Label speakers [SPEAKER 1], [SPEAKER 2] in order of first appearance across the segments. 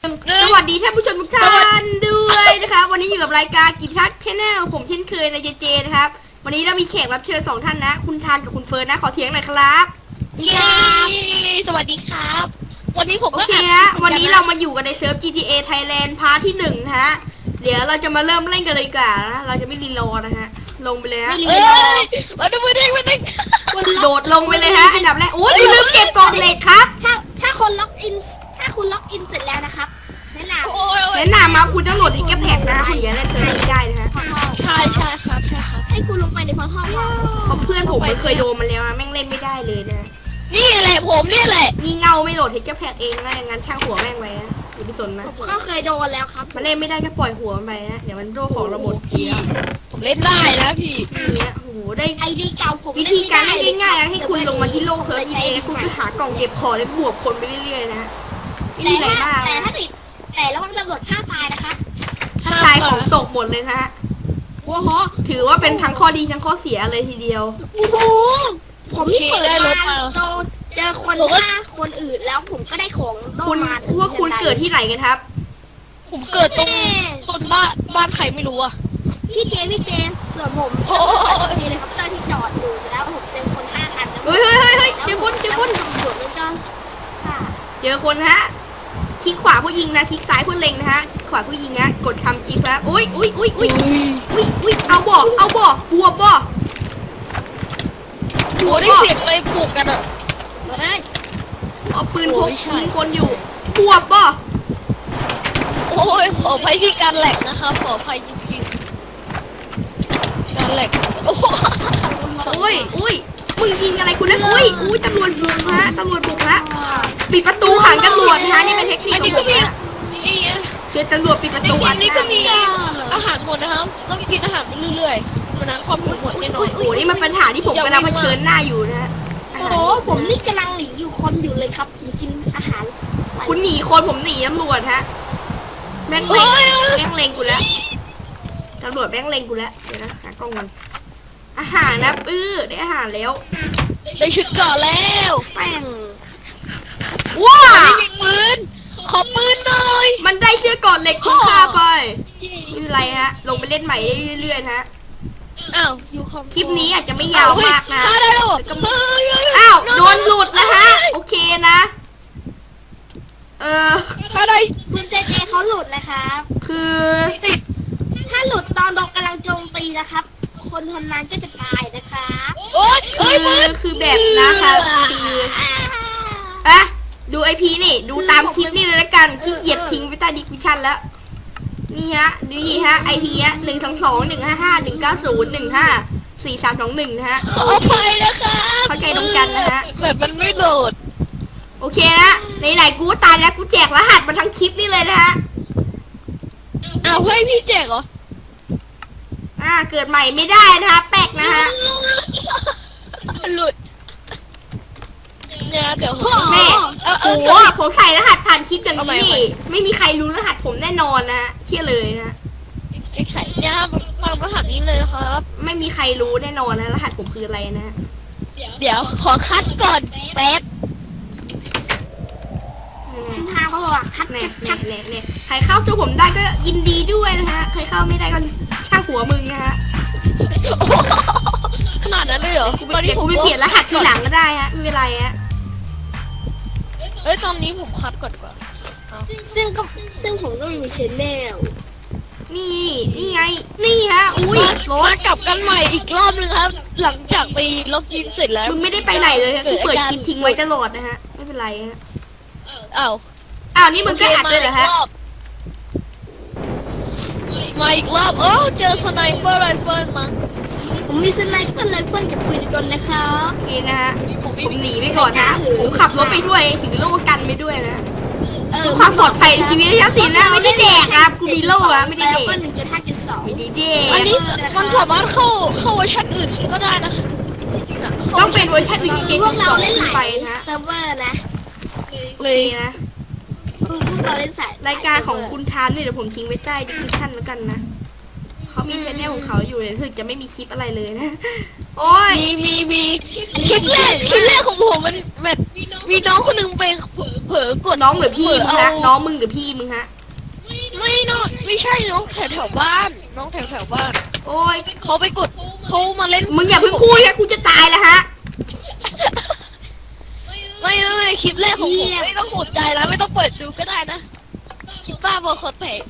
[SPEAKER 1] สวัสดีท่านผู้ชมทุกท่านด้วยนะคะวันนี้อยู่กับรายการกิจทัศน์ชาแนลผมเช่นเคยในเจนะครับวันนี้เรามีแขกรับเชิญ2ท่านนะคุณทานกับคุณเฟิร์นนะขอเสียงหน่อยครับ
[SPEAKER 2] เย้สวัสดีครับวันนี้ผม
[SPEAKER 1] โอ
[SPEAKER 2] ก็
[SPEAKER 1] เคฮะวันนี้เรามาอยู่กันในเซิร์ฟ GTA Thailand พาร์ทที่1นะฮะเดี๋ยวเราจะมาเริ่มเล่นกันเลยดีกว่านะเราจะไม่รีรอนะฮะลงไปเลยฮะ
[SPEAKER 2] มาดูมือเด้ง
[SPEAKER 1] โดดลงไปเลยฮะอันดับแรกโอ้ยลืมเก็บกล่องเหล็กครับ
[SPEAKER 3] ถ้าคนล็อกอินเสร็จแล้วนะครับแนะนำ
[SPEAKER 1] มาคุณต้องโหลดทิกเก็ตแพ็กนะคุณอย่าเล่นเซิร์ฟนี้ได้นะฮะ
[SPEAKER 2] ใช่ครับ
[SPEAKER 3] ให้คุณลงไปในพอร์ทัล
[SPEAKER 1] เพราะเพื่อนผมมันเคยโดนมาแล้วแม่งเล่นไม่ได้เลยนะ
[SPEAKER 2] นี่แหละผมนี่แหละ
[SPEAKER 1] งี่เงาไม่โหลดทิกเก็ตแพ็กเองนะงั้นช่างหัวแม่งไว้นะอย่าไปสนนะ
[SPEAKER 3] ก็เคยโดนแล้วครับ
[SPEAKER 1] มันเล่นไม่ได้ก็ปล่อยหัวมันไปนะเดี๋ยวมันโดนของระบบ
[SPEAKER 2] ผมเล่นได้นะพี่
[SPEAKER 1] เนี่ยโอ้โหได้
[SPEAKER 3] ไอดีเก่าผม
[SPEAKER 1] วิธีการง่ายๆให้คุณลงมาที่โลกเซิร์ฟเองคุณก็หากล่องเก็บของแล้วบวกคนไปเรื่อยๆนะ
[SPEAKER 3] แต่ถ้าติดแต่ระวังตำรวจฆ่าตายนะคะ
[SPEAKER 1] ถ้าตายของตกหมดเลยนะฮะ
[SPEAKER 3] โอ้โห
[SPEAKER 1] ถือว่าเป็นทั้งข้อดีทั้งข้อเสียเลยทีเดียว
[SPEAKER 3] โอ้โหผมเปิดมาเจอคนฆ่าคนอื่นแล้วผมก็ได้ของ
[SPEAKER 1] คุณว่าคุณเกิดที่ไหนกันครับ
[SPEAKER 2] ผมเกิดตรงบ้านใครไม่รู้อะ
[SPEAKER 3] พี่เจส่วนผมเฮลิคอปเตอร์ที่จอดอยู่แล้วผมเจอคน5 คัน
[SPEAKER 1] เฮ้ยเจอคน
[SPEAKER 3] ตำรวจแล้วก็
[SPEAKER 1] เจอคนฮะคลิกขวาเพื่อยิงนะคลิกซ้ายเพื่อเล็งนะฮะคลิกขวาเพื่อยิงนะกดคำคลิกครับอุ้ยเอาบ่บวบบ่
[SPEAKER 2] โหได้เสียงอะไรปลุกกันอะ
[SPEAKER 1] เอาปืนพกยิงคนอยู่บวบบ่
[SPEAKER 2] โอ้ยขออภัยที่การแหลกนะครับขออภัยจริงๆการแหลกโอ้
[SPEAKER 1] ยมึงยิงอะไรคุณนะอุ้ยตำรวจบุกฮะปิดประตูขังตำรวจนะนี่เป็นเทคนิคของผมนะเจอตำรวจปิดประตูอัน
[SPEAKER 2] นี้ก็มีอาหารหมดนะครับต้องกินอาหารไปเรื่อยๆมันนั้นความหิวหมดแน่นอน
[SPEAKER 1] โอ้นี่มันปัญหาที่ผมกำลังเผชิญหน้าอยู่นะ
[SPEAKER 3] โอ้ผมนี่กำลังหนีอยู่คนอยู่เลยครับผมกินอาหาร
[SPEAKER 1] คุณหนีคนผมหนีตำรวจฮะแม่งเล็งกูแล้วตำรวจแม่งเล็งกูแล้วเดี๋ยวนะหากล้องมันอาหารนะได้อาหารแล้ว
[SPEAKER 2] ได้ชุดก่อนแล้ว
[SPEAKER 3] แป้ง
[SPEAKER 1] ว้า
[SPEAKER 2] ยิงปืนขอปืนหน่อย
[SPEAKER 1] มันได้เสื้อก่อนเหล็กคุณค่าไปไม่เป็นไรฮะลงไปเล่นใหม่เรื่อยๆฮะ
[SPEAKER 2] อ้าว
[SPEAKER 1] คลิปนี้อาจจะไม่ยาวมากนะ
[SPEAKER 2] ได้แล้ว
[SPEAKER 1] อ้าวโดนหลุดนะฮะโอเคนะ
[SPEAKER 2] ถ้าได้
[SPEAKER 3] คุณเจเขาหลุดนะครับ
[SPEAKER 1] คือ
[SPEAKER 3] ถ้าหลุดตอนเรากำลังโจมตีนะครับคนนั้นก็จะตายนะคะ
[SPEAKER 1] คือแบบนะคะคือดูไอพีนี่ดูตามคลิปนี่เลยละกันขี้เกียจทิ้งไปใต้ดิสคริปชั่นแล้วนี่ฮะไอพีฮะ1221519015431นะฮะ
[SPEAKER 2] ขออภัยนะคะ
[SPEAKER 1] เข้าใจตรงกันนะฮะ
[SPEAKER 2] แบบมันไม่โหลด
[SPEAKER 1] โอเคนะไหนกูตายแล้วกูแจกรหัสมาทั้งคลิปนี่เลยนะฮะ
[SPEAKER 2] เฮ้ยพี่แจกเหรอ
[SPEAKER 1] เกิดใหม่ไม่ได้นะคะแปลกนะฮะ
[SPEAKER 2] หลุดเนี่ยเดี๋ยว
[SPEAKER 1] แม่โอ้โหผมใส่รหัสผ่านคลิปอย่างนี้นี่ไม่มีใครรู้รหัสผมแน่นอนนะเชื่อเลยนะ
[SPEAKER 2] ไอ้ไข่เนี่ยฟังรหัสนี้เลยนะครับ
[SPEAKER 1] ไม่มีใครรู้แน่นอนนะรหัสผมคืออะไรนะ
[SPEAKER 2] เดี๋ยวขอคัดก่อนแป๊บ
[SPEAKER 3] ทางเขาบอกว่าคัด
[SPEAKER 1] เนี่ยใครเข้าตัวผมได้ก็ยินดีด้วยนะฮะใครเข้าไม่ได้ก็ช่างหัวมึงนะฮะ
[SPEAKER 2] ขนาดนั้นเลยเหรอ
[SPEAKER 1] ตอนนี้ผมไปเปลี่ยนรหัสทีหลังก็ได้ฮะไม่เป็นไรฮะ
[SPEAKER 2] ตอนนี้ผมคัดก่อน
[SPEAKER 3] ซึ่งผมก็มีชแนล
[SPEAKER 1] นี่ไงนี่ฮะอุ้ย
[SPEAKER 2] รถกลับกันใหม่อีกรอบนึงครับหลังจากไปล็อกอินเสร็จแล้ว
[SPEAKER 1] มึงไม่ได้ไปไหนเลยกูเปิดคลิปทิ้งไว้ตลอดนะฮะไม่เป็นไรฮะ
[SPEAKER 2] อ้
[SPEAKER 1] าวนี่มึงก็อัดเลยเหรอฮะ
[SPEAKER 2] มาอีกรอบเจอสไนเปอร์ไรเฟิลมั้ง
[SPEAKER 3] ผมมีสไนเปอร์ไรเฟิลกับปืนกลนะครับ
[SPEAKER 1] โอเคนะฮะผมหนีไปก่อนนะผมขับรถไปด้วยถือโล่กันไปด้วยนะความปลอดภัยในชีวิตยักษ์สินนะไม่ได้แดกครับกูมีโล่อะไม่ได้แดก
[SPEAKER 3] 1.5.2
[SPEAKER 1] ไม่ได้แดก
[SPEAKER 2] อันนี้มันสามารถเข้าเวอร์ชันอื่นก็ได้นะ
[SPEAKER 1] ต้องเป็นเวอร์ชัน
[SPEAKER 3] พวกเราเล่นหลายเซิร์ฟเวอร์นะ
[SPEAKER 1] เลยนะ
[SPEAKER 3] พวกเราเล่นสาย
[SPEAKER 1] รายการของคุณทามนี่เดี๋ยวผมทิ้งไว้ใต้ดิสคริปชั่นแล้วกันนะเขามีชแนลของเขาอยู่เลยรู้สึกจะไม่มีคลิปอะไรเลยนะโอ้ย
[SPEAKER 2] มีคลิปแรกของผมมันแบบมีน้องคนนึงไปเผลอกด
[SPEAKER 1] น้องหรือพี่มึงฮะ
[SPEAKER 2] เอา
[SPEAKER 1] น้องมึงหรือพี่มึงฮะ
[SPEAKER 2] ไม่เนาะไม่ใช่น้องแถวบ้าน น้องแถวบ้าน
[SPEAKER 1] โอ้ย
[SPEAKER 2] เขาไปกดเขามาเล่น
[SPEAKER 1] มึงอย่าเพิ่งพูดนะกูจะตายแล้วฮะ
[SPEAKER 2] ไม่คลิปแรกของผมไม่ต้องสนใจแล้วไม่ต้องเปิดดูก็ได้นะคลิปบ้าบอคอเตะ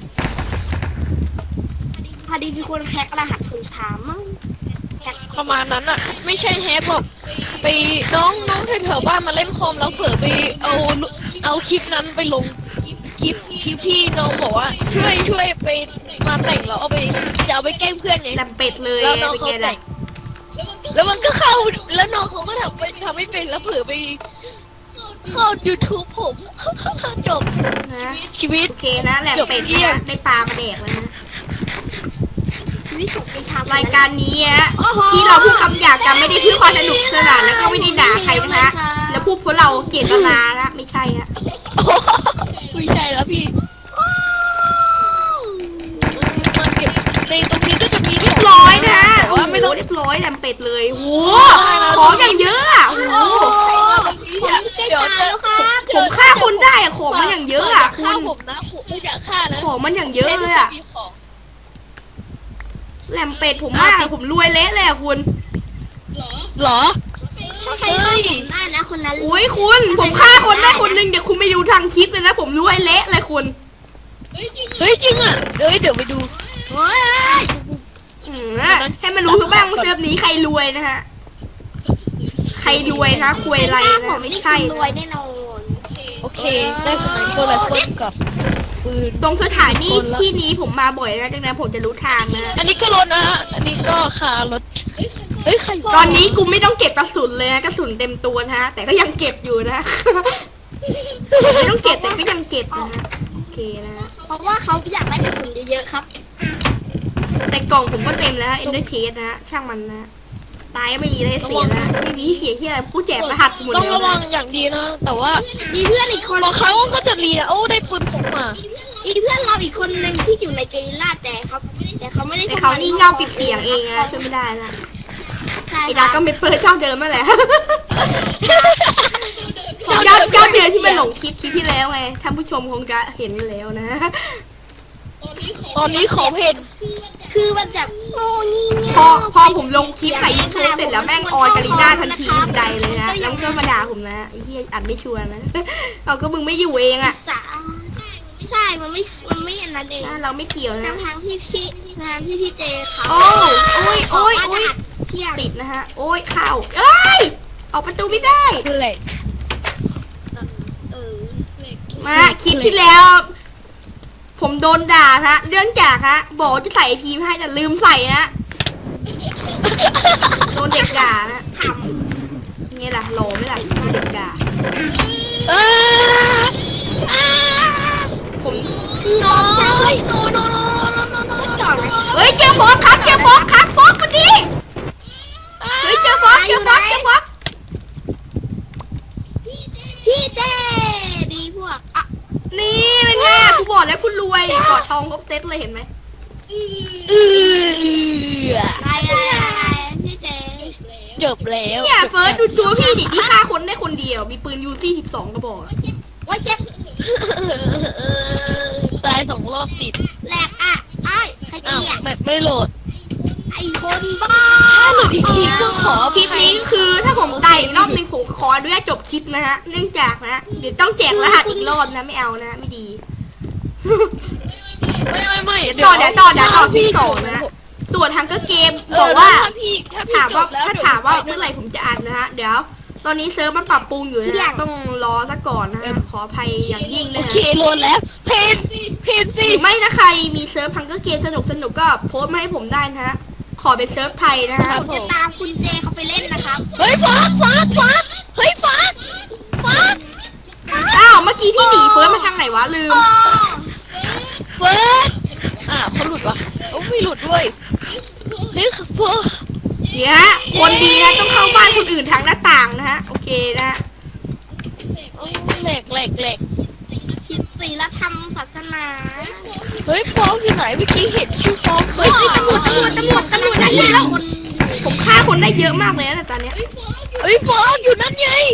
[SPEAKER 3] พอดีมีคนแฮกรหัสถุงถามมั้งแฮก
[SPEAKER 2] ประมาณนั้นอะไม่ใช่แฮปหรอกไปน้องแถวบ้านมาเล่นคอมแล้วเผลอไปเอาคลิปนั้นไปลงคลิปพี่น้องบอกว่าช่วยไปมาแต่งแล้วเอาไปจะเอาไปแกล้งเพื่อนไง
[SPEAKER 1] แลมเป็ดเลย
[SPEAKER 2] แล้วน้อง
[SPEAKER 1] เป็น
[SPEAKER 2] เขา
[SPEAKER 1] ไง
[SPEAKER 2] แต่
[SPEAKER 1] ล่ะ
[SPEAKER 2] งแล้วมันก็เข้าแล้วน้องเขาก็ทำไม่เป็นแล้วเผลอไปเข้า YouTube ผม จบ
[SPEAKER 1] นะ
[SPEAKER 2] ชีวิต
[SPEAKER 1] โอเคนะแหลมเป็ด
[SPEAKER 2] จบเยี่ย
[SPEAKER 1] นะ
[SPEAKER 2] ม
[SPEAKER 1] ได้ปลามาแดกแล้วนะ
[SPEAKER 3] ชีวิตผมเป็นทำ
[SPEAKER 1] รายการนี้ฮะที่เราพูดคำหยาบกันไม่ได้เพื่อความสนุกสนานแล้วก็ไม่ได้ด่าใครนะฮะแล้วพูดเพราะเราเกลียดนานะไม่ใช่ฮะ
[SPEAKER 2] ไม่ใช่แล้วพี่มันเก็บในตรงนี้ก็จะมี
[SPEAKER 1] เรียบร้อยนะฮะ
[SPEAKER 2] แต่ว่าไม่ต้อง
[SPEAKER 1] เรียบร้อยแลมเป็ดเลยโอ้โหของอย่างเยอะอะโอ้โห
[SPEAKER 3] ผมจะตายแล้วครับ
[SPEAKER 1] ผมฆ่าคนได้อะของมันอย่างเยอะอะคุ
[SPEAKER 2] ฆ่า
[SPEAKER 1] ณ
[SPEAKER 2] ผมนะผมไม่อยากฆ่านะ
[SPEAKER 1] ของมันอย่างเยอะเลยอะ
[SPEAKER 2] มีของ
[SPEAKER 1] แหลมเป็ดผมมากผมรวยเละเลยอะคุณ
[SPEAKER 2] เหรอ
[SPEAKER 3] ถ้าใครฆ่าผมได้นะคนนั้น
[SPEAKER 1] อุ้ยคุณผมฆ่าคนได้คนหนึ่งเดี๋ยวคุณไปดูทางคลิปเลยนะผมรวยเละเลยคุณ
[SPEAKER 2] เฮ้ยจริงอ่ะเดี๋ยวไปดู
[SPEAKER 3] เฮ้ย
[SPEAKER 1] ให้มันรู้ทุกบ้างว่าเซิร์ฟนี้ใครรวยนะฮะใครรวยนะคุยอะไร
[SPEAKER 3] ผ
[SPEAKER 1] นะ
[SPEAKER 3] ม
[SPEAKER 1] ไม่
[SPEAKER 3] นี่
[SPEAKER 1] ใช่
[SPEAKER 3] รวย
[SPEAKER 1] นะ
[SPEAKER 3] แน่นอน
[SPEAKER 2] โอเคได้สไนเปอร์ไรเฟิลกับปืน
[SPEAKER 1] ตรงสถานีที่นี้ผมมาบ่อยนะดังนั้นผมจะรู้ทางนะ
[SPEAKER 2] อันนี้ก็รถนะอันนี้ก็คารถเฮ้ยใคร
[SPEAKER 1] ตอนนี้กูไม่ต้องเก็บกระสุนเลยนะกระสุนเต็มตัวนะฮะแต่ก็ยังเก็บอยู่นะ ไม่ต้องเก็บแต่ก็ยังเก็บนะฮะโอเคนะฮะ
[SPEAKER 3] เพราะว่าเขาอยากได้กระสุนเยอะๆครับ
[SPEAKER 1] แต่กล่องผมก็เต็มแล้วเอ็นเดอร์เชสนะฮะช่างมันนะตายก็ไม่มีอะไรเสียนะไม่มีเสียที่อะไรผู้แจกรหัสหมด
[SPEAKER 2] ต้อง
[SPEAKER 1] เลย
[SPEAKER 2] ระวัง
[SPEAKER 1] นะ
[SPEAKER 2] อย่างดีนะ แต่ว่า
[SPEAKER 3] มีเพื่อนอีกคน
[SPEAKER 2] บางครั้งก็จะเรียโอ้ได้ปืนผมมา
[SPEAKER 3] มีเพื่อนเราอีกคนหนึ่งที่อยู่ในเกลิล่าแต่เขาไม่ได้
[SPEAKER 1] แต่เขานี่เงาปิดเสียงเองนะช่วยไม่ได้นะ
[SPEAKER 3] ใช่
[SPEAKER 1] ไอ้
[SPEAKER 3] ค
[SPEAKER 1] ดา
[SPEAKER 3] รับ
[SPEAKER 1] ก็ไม่เปิดเจ้าเดิมนั่นแหละ เจ้าเดิมที่มันหลงคลิปที่แล้วไงท่านผู้ชมคงจะเห็นแล้วนะ
[SPEAKER 2] ตอนนี้ขอเพน
[SPEAKER 3] คือมันแบบโง่งี่เง่า
[SPEAKER 1] พอผมลงคลิปใส่ยูทูบเสร็จแล้วแม่งออนกาลิน่าทันทีทันใดเลยนะแล้วก็มาด่าผมนะไอ้เหี้ยอัดไม่ชัวร์นะ เอาก็มึงไม่อยู่เองอะ
[SPEAKER 3] สาใช่มันไม่อันนั้นเอง
[SPEAKER 1] เราไม่เกี่ยวนะ
[SPEAKER 3] ทางที่พี่เจเขา
[SPEAKER 1] โอ้ยโอ้ย
[SPEAKER 3] ว่า
[SPEAKER 1] โอ้
[SPEAKER 3] จะ
[SPEAKER 1] ย
[SPEAKER 3] อัดเที่ยง
[SPEAKER 1] ติดนะฮะโอ้ยเข้าเอ้ยออกประตูไม่ได้
[SPEAKER 2] คือเหล็ก
[SPEAKER 1] มาคลิปที่แล้ว ผมโดนด่าฮะเรื่องจากฮะบอกว่าจะใส่พีมให้แต่ลืมใส่นะโดนเด็กด่านะ
[SPEAKER 3] ข
[SPEAKER 1] ไงล่ะโหลไหมล่ะโดนเด็กด่า
[SPEAKER 2] เออ
[SPEAKER 1] ผม
[SPEAKER 3] ำคือน้องใช่โนก็ก่อนนะ
[SPEAKER 1] เฮ้ยเจอฟอกครับเจอฟอกครับฟอกพอดีเฮ้ยเจอฟอกเจอฟอกเจอฟอก
[SPEAKER 3] พี่เจดีพวกอ่ะ
[SPEAKER 1] นี่เป็นไงกูบอกแล้วคุณรวยกอดทองครบเซ็ตเลยเห็นไหม
[SPEAKER 3] อะไรพี่เจ
[SPEAKER 2] จบแล้ว
[SPEAKER 1] เนี่ยเฟิร์สดูตัวพี่ดิพี่ฆ่าคนได้คนเดียวมีปืนยูซี่12กระบอก
[SPEAKER 3] ว่าเจ็บ
[SPEAKER 2] ตาย2 รอบติด
[SPEAKER 3] แหลกอ่ะไอ้ใคร
[SPEAKER 2] อ้าว
[SPEAKER 3] เกีย
[SPEAKER 2] แบบไม่โหลด
[SPEAKER 3] ไอ้คนบ้า
[SPEAKER 2] ถ้าหลุดอีกทีก็ขอ
[SPEAKER 1] คลิปนี้คือถ้าผมตายอีกรอบนึงผมขออนุญาตจบคลิปนะฮะเนื่องจากนะเดี๋ยวต้องแจกรหัสอีกรอบนะไม่เอานะไม่ดี
[SPEAKER 2] ไม่
[SPEAKER 1] ต่อเดี๋ยวที่สองนะส่วนทางก็เกมบอกว่า
[SPEAKER 2] ถ้าพี่
[SPEAKER 1] ถามว่า
[SPEAKER 2] จบแล้ว
[SPEAKER 1] ถ้าถามว่าเมื่อไหร่ผมจะอัดนะฮะเดี๋ยว ตอนนี้เซิร์ฟมันปรับปรุงอยู่นะต้องรอซะก่อนนะฮะขออภัยอย่างยิ่ง
[SPEAKER 2] โอ
[SPEAKER 1] นะฮะ
[SPEAKER 2] เคโหลดแล้ว เพน
[SPEAKER 1] ห
[SPEAKER 2] สิ
[SPEAKER 1] รือไม่ถ้าใครมีเซิร์ฟพังก็เกมสนุกก็โพสต์มาให้ผมได้นะฮะขอเป็นเซิร์ฟไทยนะฮะ
[SPEAKER 3] ผมจะตามคุณเจเขาไปเล่นนะครับ
[SPEAKER 2] เฮ้ยฟักเฮ้ยฟัก
[SPEAKER 1] อ้าวเมื่อกี้พี่หนีเฟิร์สมาทางไหนวะลืม
[SPEAKER 2] เฟิร์สเขาหลุดวะโอ้ไม่หลุดด้วยเฮ้ยเฟิร์ส
[SPEAKER 1] เนี่ยฮะคนดีนะต้องเข้าบ้านคนอื่นทางหน้าต่างนะฮะโอเคนะ
[SPEAKER 2] แหลก
[SPEAKER 3] ผิดศีลธรรมศาสนา
[SPEAKER 2] เฮ้ยฟอกอยู่ไหนเมื่อกี้เห็นชื่อฟอก
[SPEAKER 1] เฮ้ยตำรวจได้แล้วผมฆ่าคนได้เยอะมากเลยนะตอนเนี้ย
[SPEAKER 2] เฮ้ยฟอกอยู่นั่นไง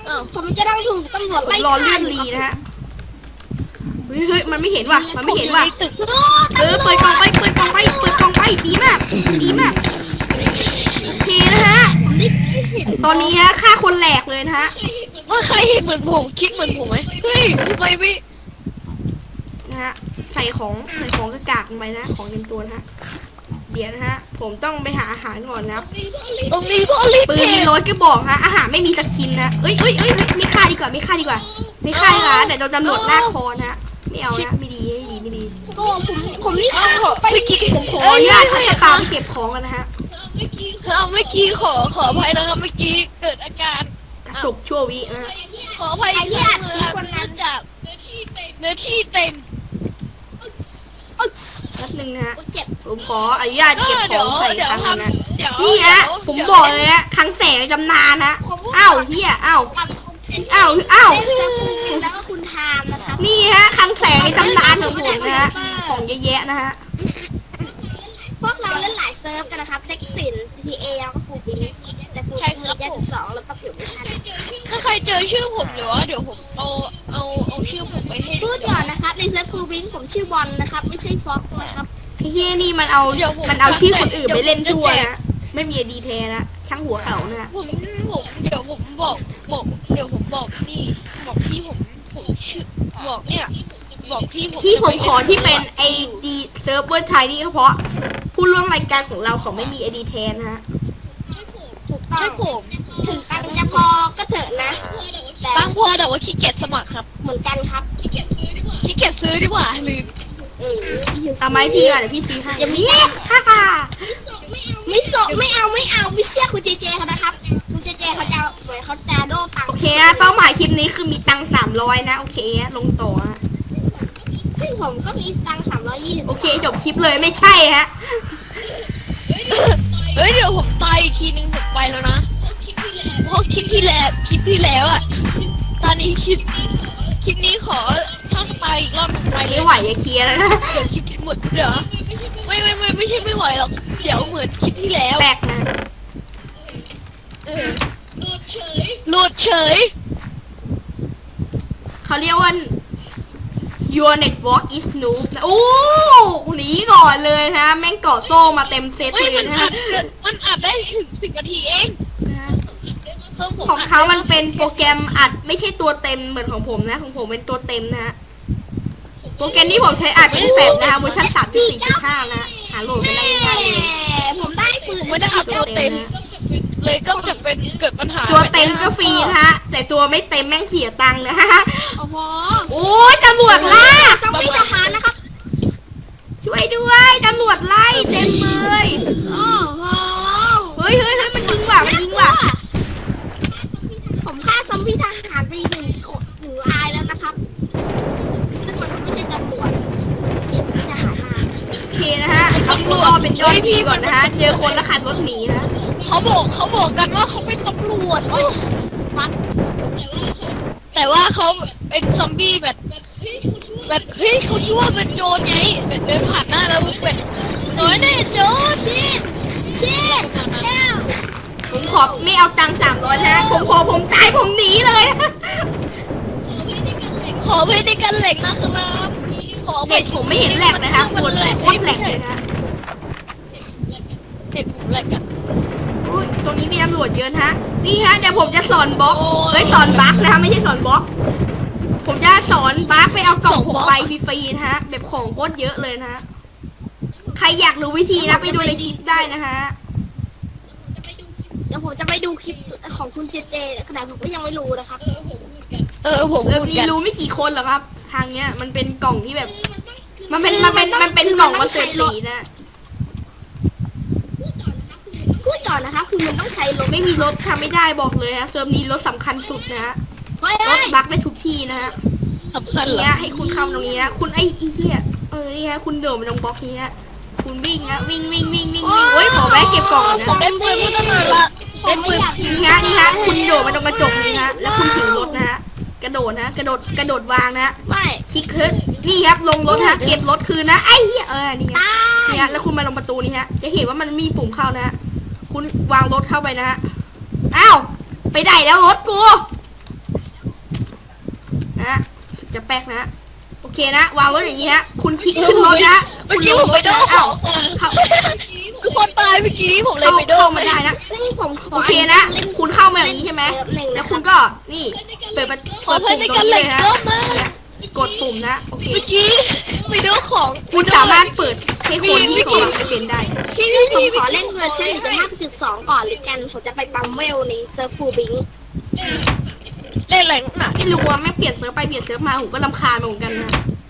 [SPEAKER 2] อ้าว
[SPEAKER 3] ผมจะต้องถูกตำรวจ
[SPEAKER 1] ผม
[SPEAKER 3] ไล่
[SPEAKER 1] รอ
[SPEAKER 3] ฆ่า
[SPEAKER 1] เลื่อนรีนะฮะเฮ้ยมันไม่เห็นว่ะมันไม่เห็นว่ะ
[SPEAKER 2] ผมอยู่ในตึก
[SPEAKER 1] เปิดกล่องไปเปิดกล่องไปเปิดกล่องไปดีมากดีมากโอเคนะฮะตอนนี้ฮะฆ่าคนแหลกเลยนะฮะ
[SPEAKER 2] ว่าใครเห็นเหมือนผมคิดเหมือนผมไหมเฮ้ยทำไมไม่
[SPEAKER 1] นะฮะใส่ของกระกากลงไปนะของเต็มตัวนะฮะเดี๋ยวนะฮะผมต้องไปหาอาหารก่อนนะครับ
[SPEAKER 2] ตรงนี้ก็รีบ
[SPEAKER 1] ปืน
[SPEAKER 2] เก็
[SPEAKER 1] มี
[SPEAKER 2] บ
[SPEAKER 1] รถก็บอกฮะอาหารไม่มีสกินนะเอ้ยไม่ฆ่าดีกว่าไม่ฆ่าดีกว่าไม่ฆ่าดีกว่าเดี๋ยวโดนตำรวจลากคอนะฮะไม่เอานะไม่ดีไม่ดี
[SPEAKER 3] โอ้ผมนี่ฆ่าไป
[SPEAKER 2] เมื่อกี้
[SPEAKER 1] ผมขออนุญาตทักตามไปเก็บของกันนะฮะ
[SPEAKER 2] เมื่อกี้ขออภัยนะครับเมื่อกี้เกิดอาการ
[SPEAKER 1] กระตุกชั่ววินะฮะ
[SPEAKER 2] ขออภัยที่อัดคลิปคนนั้นจากเนื้อที่เต็ม
[SPEAKER 3] โอ้ย
[SPEAKER 1] แป๊บนึงนะฮะ
[SPEAKER 3] เจ็บ
[SPEAKER 1] ผมขออนุญาตเก็บของใส่ครั้งนึงนะ
[SPEAKER 2] เดี๋ยว
[SPEAKER 1] นี่ฮะผมบอกเลยฮะครั้งแสงในตำนานฮะอ้าวเฮียอ้าว
[SPEAKER 3] ตัด
[SPEAKER 1] อ้าว
[SPEAKER 3] แล้วก็คุณทามนะครับ
[SPEAKER 1] นี่ฮะครั้งแสงในตำนานของผมนะฮะของเยอะแยะนะฮะ
[SPEAKER 3] พวกเราเล่นหลายเซิร์ฟกันนะครับเซ็กซิน GTA แล้วก็ฟูบิงแต่ฟูบิง1.2แล้วก็ผิวไม่ทัน
[SPEAKER 2] ถ้าใครเจอชื่อผมเดี๋ยวผมเอาชื่อผมไปให้
[SPEAKER 3] พูดก่อนนะครับในเซิร์ฟฟูบิงผมชื่อบอลนะครับไม่ใช่ฟ็อกนะครับ
[SPEAKER 1] ไอ้เฮียนี่มันเอาชื่อคนอื่นไปเล่นทั่วนะไม่มีดีแท้นะช่างหัวเขานะ
[SPEAKER 2] ผมเดี๋ยวผมบอกเดี๋ยวผมบอกนี่บอกที่ผมชื่อบอกเนี่ยบอกที่ผม
[SPEAKER 1] ที่ผมขอที่เป็นไอดีเซิร์ฟเวอร์ไทยนี่ก็เพราะผู้ร่วมรายการของเราเขาไม่มีไอดีแทนนะฮะ
[SPEAKER 3] ถูกต้อง
[SPEAKER 2] ใช่ผม
[SPEAKER 3] ถึงตังค์จะพอก็เถอะนะแต่
[SPEAKER 2] บางพอแต่ว่าขี้เกียจสมัครครับ
[SPEAKER 3] เหมือนกันครับ
[SPEAKER 2] ขี้เกียจซื้อดีกว่าลืม
[SPEAKER 1] เอาไหมพี่อ่ะเดี๋ยวพี่ซื้อให้
[SPEAKER 3] อย่ามี
[SPEAKER 1] ฮ่าฮ่า
[SPEAKER 3] ไม่สกไม่เอาไม่เชื่อคุณเจเจเขานะครับคุณเจเจเขาจะเหมือนเขาจะโดนตัง
[SPEAKER 1] โอ
[SPEAKER 3] ค์
[SPEAKER 1] เคนะเป้าหมายคลิปนี้คือมีตังค์300นะโอเคนะลงต่อฮะ
[SPEAKER 3] ซึ่งผมก็มีตังค์320
[SPEAKER 1] โอเคจบคลิปเลยไม่ใช่ฮะ
[SPEAKER 2] เฮ้ยเดี๋ยวผมตายอีกทีนึงผมไปแล้วนะเพราะคลิปที่แล้วอ่ะตอนนี้คลิปนี้ขอถ้าตายอีกรอบหนึ่งไปเล
[SPEAKER 1] ไม่
[SPEAKER 2] ย
[SPEAKER 1] ไหวอย่าเคลียร์แล้วนะ
[SPEAKER 2] เดี๋ยวคลิปที่หมดเดี๋ยวไม่ใช่ไม่ไหวหรอกเดี๋ยวเหมือนคลิปที่แล้ว
[SPEAKER 1] แบกนะ
[SPEAKER 2] หลุดเฉย
[SPEAKER 1] เขาเรียกว่า your network is noob นะโอ้หนีก่อนเลยนะแม่งเกาะโซ่มาเต็มเซต
[SPEAKER 2] เฮ้ย
[SPEAKER 1] เลยนะฮะ
[SPEAKER 2] มันอัดได้ถึง10 นาทีเองเพิ่มผม
[SPEAKER 1] ของเขามันเป็นโปรแกรมอัดไม่ใช่ตัวเต็มเหมือนของผมนะของผมเป็นตัวเต็มนะฮะโปรแกรมที่ผมใช้อัดเป็นแฟลชนะคะเวอร์ชัน 3.4.5 นะหาโหลดไปได้ง่ายๆเลย
[SPEAKER 3] ผมได้ปืน
[SPEAKER 2] ไม่ได้อัดตัวเต็ม เลยก็จะเป็นเกิดปัญหา
[SPEAKER 1] ตัวเต็มก็ฟรีนะฮะแต่ตัวไม่เต็มแม่งเสียตังค์นะฮะ
[SPEAKER 3] โอ้โห
[SPEAKER 1] โอ้ยตำรวจล่า
[SPEAKER 3] ต้องมีทหารนะครับ
[SPEAKER 1] ช่วยด้วยตำรวจไล่เต็มเลย
[SPEAKER 3] โอ้โห
[SPEAKER 1] เฮ้ยมันยิงว่ะ
[SPEAKER 3] ผมฆ่าซอมบี้ทหารไปหนึ่งรายแล้วนะครับซึ่งมันก็ไม่ใช่ตำรวจยิงทหารมา
[SPEAKER 1] โอเคนะฮะเอาตัวรอเป็นย่อยพี่ก่อนนะฮะเจอคนแล้วขับรถหนีนะ
[SPEAKER 2] เขาบอกกันว่าเขาเป็นตำรวจแต่ว่าเขาเป็นซอมบี้แบบเฮ้ยเขาชื่อว่าเป็นโจรไงแบบเดินผ่านหน้าแล้วแบบน้อยแน่โจร
[SPEAKER 3] ชิดแก้ว
[SPEAKER 1] ผมขอไม่เอาตังค์300นะผมตายผมหนีเลย
[SPEAKER 2] ขอไปในกันเหล็กนะครับขอไป
[SPEAKER 1] เด็กผมไม่เห็นแหลกนะคะโคตรแหลกเลยนะ
[SPEAKER 2] เด็กผมแหลกอะ
[SPEAKER 1] อุ้ยตรงนี้มีตำรวจเยอะนะฮะนี่ฮะเดี๋ยวผมจะสอนบล็อกสอนบั๊กนะคะไม่ใช่สอนบล็อกผมจะสอนบั๊กไปเอากล่อง6 ใบฟรีๆนะฮะแบบของโคตรเยอะเลยนะฮะใครอยากรู้วิธีนะไปดูในคลิปได้นะฮะ
[SPEAKER 3] เดี๋ยวผมจะไปดูคลิปของคุณเจเจขนาดผมก็ยังไม่รู้นะครับ
[SPEAKER 2] ผม
[SPEAKER 1] เซิร์ฟนี้รู้ไม่กี่คนหรอกครับ ทางเนี้ยมันเป็นกล่องที่แบบ มันเป็นกล่องมาเสร็จสีนะ
[SPEAKER 3] พูดก่อนนะครับคือมันต้องใช้รถ
[SPEAKER 1] ไม่มีรถทำไม่ได้บอกเลยฮะเซิร์ฟนี้รถสำคัญสุดนะฮะ
[SPEAKER 3] เฮ้ย
[SPEAKER 1] รถบักได้ทุกที่นะฮะ
[SPEAKER 2] สำคัญเหรอ
[SPEAKER 1] เนี้ยให้คุณเข้าตรงนี้นะคุณไอ้เหี้ยนี่ฮะคุณโดดมาตรงบล็อกนี้ฮะคุณวิ่งนะวิ่งโอ้ยขอแวะเก็บกล่องก่อนนะ
[SPEAKER 2] ได้ปืนมาตั้งนานละ
[SPEAKER 3] ได้ปืน
[SPEAKER 1] นี่ฮะคุณโดดมาตรงกระจกนี้ฮะแล้วคุณถือรถนะฮะกระโดดนะกระโดดวางนะ
[SPEAKER 3] ไม่
[SPEAKER 1] คลิกขึ้นนี่ครับลงรถฮะเก็บรถคืนนะไอ้เหี้ยนี่ฮะ
[SPEAKER 3] ตาย
[SPEAKER 1] นี่ฮะแล้วคุณมาลงประตูนี่ฮะจะเห็นว่ามันมีปุ่มเข้านะฮะคุณวางรถเข้าไปนะฮะอ้าวไปไหนแล้วรถกูฮะจะแป๊กนะ โอเคนะ วางรถอย่างนี้ฮะ คุณคลิกขึ้นรถนะ
[SPEAKER 2] เมื่อกี้ผมไปโดนของก่อน
[SPEAKER 1] เข้า
[SPEAKER 2] ทุกคนตายเมื่อกี้ผมเลยไปโดน
[SPEAKER 1] เข้ามาได้นะ
[SPEAKER 3] ซึ่งผมขอ
[SPEAKER 1] โอเคนะ คุณเข้ามาอย่างนี้ใช่ไหม
[SPEAKER 3] หนึ่ง
[SPEAKER 1] แล้
[SPEAKER 3] นะ
[SPEAKER 1] ว
[SPEAKER 3] ค
[SPEAKER 1] คุ
[SPEAKER 3] รับ
[SPEAKER 1] ณก็นี่เปิด
[SPEAKER 2] ขอ
[SPEAKER 1] ปุ่ม
[SPEAKER 2] เพื่อนใน
[SPEAKER 1] ตร
[SPEAKER 2] การ
[SPEAKER 1] งนี้
[SPEAKER 2] เล่
[SPEAKER 1] เล
[SPEAKER 2] น
[SPEAKER 1] ยนะ
[SPEAKER 2] เยอะมาก
[SPEAKER 1] กดปุ่มนะ โอเค
[SPEAKER 2] เมื่อกี้ไปโดนของ
[SPEAKER 1] คุณสามารถเปิดให้คนที่เขาไม่เป็นได้
[SPEAKER 2] พี่
[SPEAKER 3] ผม
[SPEAKER 2] พี่
[SPEAKER 3] ขอเล่นเวอร์ชัน1.5.2 ก่อนเลยกันผมจะไปปั๊มเวลในเซิร์ฟฟูบิง
[SPEAKER 2] เล่นอะไรนักหนา
[SPEAKER 1] ไม่รู้ว่าแม่งเปลี่ยนเซิร์ฟไปเปลี่ยนเซิร์ฟมาผมก็รำคาญเหมือนกันนะ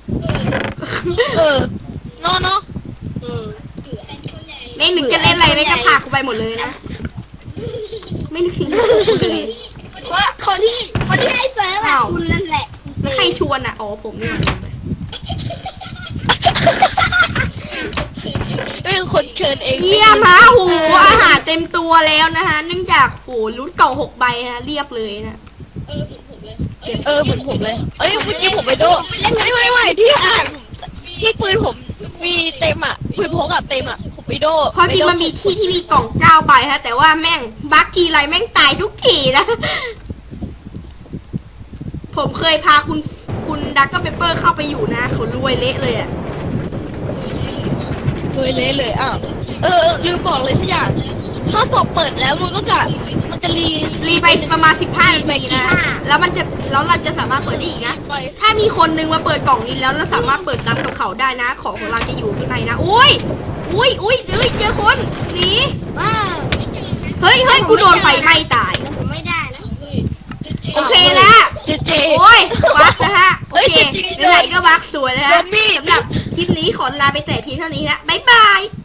[SPEAKER 2] เนาะ
[SPEAKER 3] อืม
[SPEAKER 1] ไม่นึกจะเล่นอะไรไม่จะพากูไปหมดเลยนะ ไม่นึกถึงกูเลย
[SPEAKER 3] ว่าคนที่ให้เซิร์ฟอะคุณนั่นแหละ
[SPEAKER 1] ใครชวนอ่ะ อ๋อผมนี่หว่า
[SPEAKER 2] เป็นคนเชิญเอง
[SPEAKER 1] เยี่ยมฮะโหอาหารเต็มตัวแล้วนะคะเนื่องจากโหรูทเก่า6 ใบนะเรียบเลยนะ
[SPEAKER 2] เหมือนผมเลย เอ้ยเมื่อกี้ผมไปโดนไม่ที่อ่านที่ปืนผมมีเต็มอ่ะปืนพกอะเต็มอ่ะผมไปโดน
[SPEAKER 1] เพราะจริงมันมีที่มีกล่อง9 ใบฮะแต่ว่าแม่งบัคทีไรแม่งตายทุกทีนะ ผมเคยพาคุณดักก็เปเปอร์เข้าไปอยู่นะเขารวยเละเลยอ่ะ
[SPEAKER 2] เลยอ้าวลืมบอกเลยสักอย่างถ้ากดเปิดแล้วมันจะรี
[SPEAKER 1] ไปประมาณ15 นาทีนะแล้วเราจะสามารถเปิดได้อีกนะ
[SPEAKER 2] ไป
[SPEAKER 1] ถ้ามีคนนึงมาเปิดกล่องนี้แล้วเราสามารถเปิดตามกับเขาได้นะ ของเราจะอยู่ข้างในนะอุ้ยเจอคนหนี
[SPEAKER 3] ว้าว
[SPEAKER 1] เฮ้ยกูโดนไฟไหม้ตาย
[SPEAKER 3] แต่ผมไม่ได้นะ
[SPEAKER 1] โอเคแล้ว
[SPEAKER 2] เจ
[SPEAKER 1] โอ้ยบักนะฮะโอเค
[SPEAKER 2] เฮ้ยจริงๆ
[SPEAKER 1] ไหนๆก็บักสวยนะฮะ
[SPEAKER 2] โดนมีด
[SPEAKER 1] สำหรับคลิปนี้ขอลาไปแต่เพียงเท่านี้นะบ๊ายบาย